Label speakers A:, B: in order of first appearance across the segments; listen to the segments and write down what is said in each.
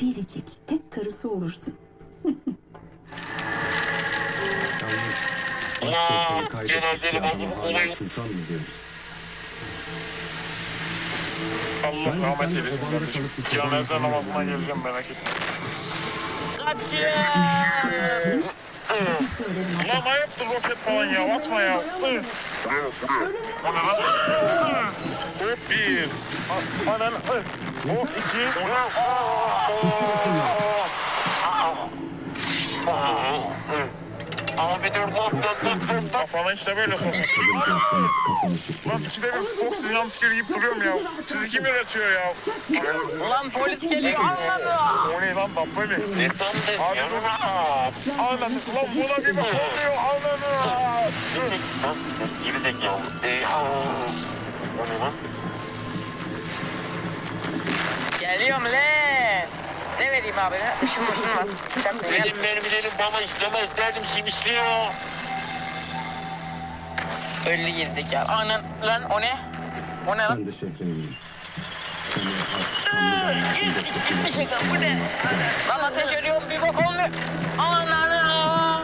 A: biricik tek karısı olursun.
B: Yalnız başsültanı kaybetmiş bir adama hala sultan mı diyoruz?
C: Allah rahmet eylesin kardeşim. Cenaze namazına geleceğim, merak etme.
D: Kaçın.
C: Lan ayıptır roket falan ya, atma ya. O ne lan? Hop bir. Anan. Hop iki.
D: Abi dur.
C: Kafana işte böyle sokak.
B: Kadıncağız kafamı şişirdi.
C: Lan ikide bir Fox Jumpscare yiyip duruyorum ya. Sizi kim yönetiyor ya?
D: Ulan polis geliyor anladı.
C: O ne lan dabbe mi?
D: Ne sandın
C: Abi
D: ya?
C: dur. Anladım. Lan buna bir bak olmuyor. Anladım.
D: Gibi zekalı. O ne lan? Geliyorum lan. Ne vereyim abi? Işın var. Benim mermilerim bana işlemez derdim, şimdi işliyor. Öldü gerizekalı. Anan lan o ne? O ne lan?
B: Ben de şehrimliyim. Seni artık kanlı
D: Bir şey kaldı. Bu ne? Lan ateş ediyorum, bir bok olmuyor. Ananı.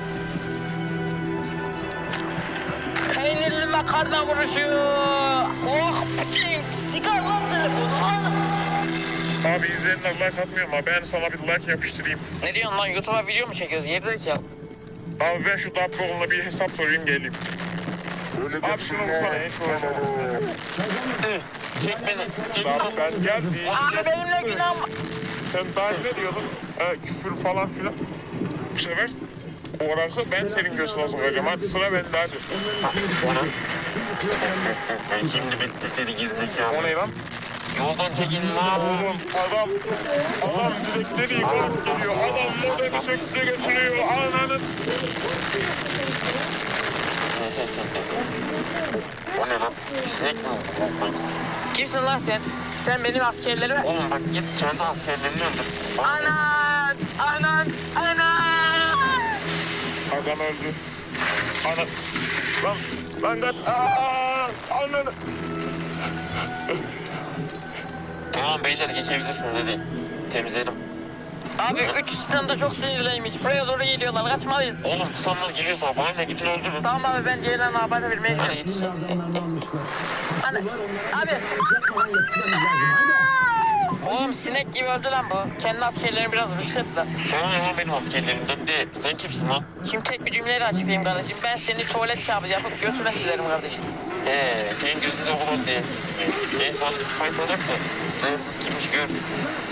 D: Peynirli makarna vuruşu. Oh pıçın. Çıkar lan telefonu. Al.
C: Abi izleyenler like atmıyor ama ben sana bir like yapıştırayım.
D: Ne diyorsun lan? YouTube'a video mu çekiyoruz? Gerizekalı.
C: Abi ben şu Dabbeoğlu'na bir hesap sorayım geleyim. Abi şunu vursana hiç uğraşamam.
D: Çek beni. Çek
C: Abi ben geldim.
D: Abi benimle günahım.
C: Sen daha ne diyordun? Küfür falan filan. Bu sefer o rakı ben senin göğsüne sokacağım. Hadi sıra bende hadi.
D: Şimdi bitti seni gerizekalı.
C: O ne lan?
D: Yoldan çekin lan.
C: Oğlum adam direkleri yıkarız geliyor. Adam modeli söktü götürüyor. Ananın.
D: O ne lan? Sinek mi? Kimsin lan sen? Sen benim askerlerime... Oğlum bak git kendi askerlerini öldür. Anan! Anan! Anan!
C: Adam öldü. Ana. Lan kaç. Ananı.
D: Tamam beyler geçebilirsin dedi. Temizledim. Abi 3 standa çok sinirliymiş. Buraya doğru geliyorlar. Kaçmalıyız. Oğlum standlar geliyorsa bana ne gidin öldürün. Tamam abi ben Ceylan'a haber vermeye gidiyorum. Hadi git. Hani, abi. Oğlum sinek gibi öldü lan bu. Kendi askerlerini biraz rükset lan. Sana ne lan benim askerlerimden de. Sen kimsin lan? Şimdi tek bir cümleyle açıklayayım kardeşim. Ben seni tuvalet kağıdı yapıp götüme silerim kardeşim. Senin gözünde olur diye. Neyse hadi faydalık da. Sensiz kimmiş gör.